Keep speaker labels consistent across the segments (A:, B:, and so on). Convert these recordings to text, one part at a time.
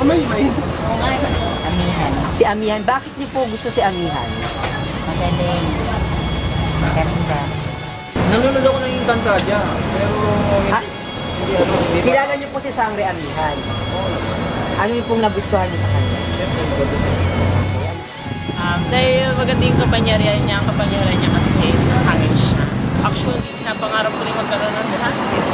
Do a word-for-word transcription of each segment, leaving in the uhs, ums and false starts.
A: may may.
B: Oo nga, amihan.
C: Si Amihan. Bakit niyo po gusto si Amihan?
B: Magaling. Maganda.
A: Nanonood ako ng Encantadia, pero
C: Ah,
A: hindi ano, hindi ba?
C: kilala niyo po si Sangre Amihan. Ano yung pong nagustuhan niyo sa kanya?
D: Um, dahil maganda yung kapangyarihan niya, ang kapangyarihan niya kasi is hangin siya. Actually, napangarap ko rin magkaroon ng hangin.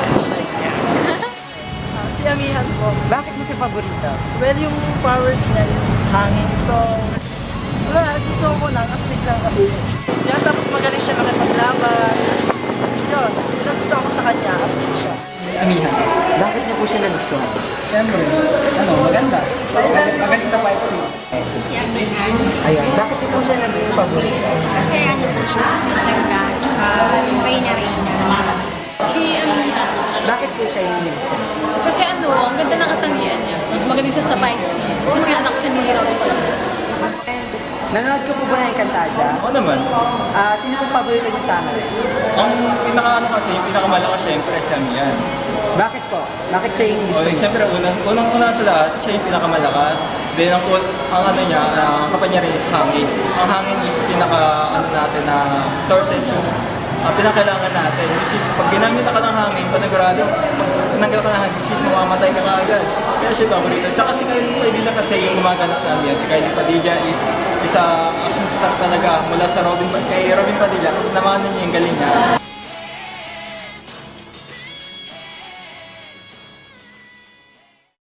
E: Ah, si Amihan po.
C: Bakit mo siya paborito?
E: Well, yung powers niya is hangin. So, wala, gusto ko lang. Astig lang kasi. Yan, tapos magaling siya makipaglaban. Yun, yun ang gusto ko sa kanya. Astig siya.
C: Amihan. Bakit niyo po siya nagustuhan?
A: Siyempre, ano, maganda. Mag- Magaling sa fight scene.
B: Si amihan.
C: Ayun. Bakit niyo po siya naging paborito?
B: Kasi ano po siya, maganda. Tsaka reyna-reyna.
F: Si Amihan.
C: Bakit po siya yung nagustuhan?
F: Kasi ano, ang ganda ng katangian niya. Mas magaling siya sa fight scene. Kasi anak siya ni Hero.
C: Nanonood ko po ba ng Encantadia?
A: Oo naman.
C: Ah, sino pong paborito niyo sa amin?
A: Ang pinaka-ano kasi, yung pinakamalakas siyempre si Amihan.
C: Bakit po? Bakit siya yung
A: O,
C: gusto niyo?
A: siyempre, unang, unang-una sa lahat, siya yung pinakamalakas. Then, ang, kul- ang ano niya, ang kapangyarihan is hangin. Ang hangin is pinaka, ano natin, na sources yung uh, pinakailangan natin. Which is, pag ginamit ka ng hangin, panagurado, pag tinanggal ka ng hangin, which is, mamamatay ka kaagad. Kaya siya paborito. Tsaka si Kylie Padilla kasi yung gumaganap namin yan. Si Kylie Padilla is isa action star talaga mula sa Robin kay Robin Padilla. Namanan niya yung galing niya.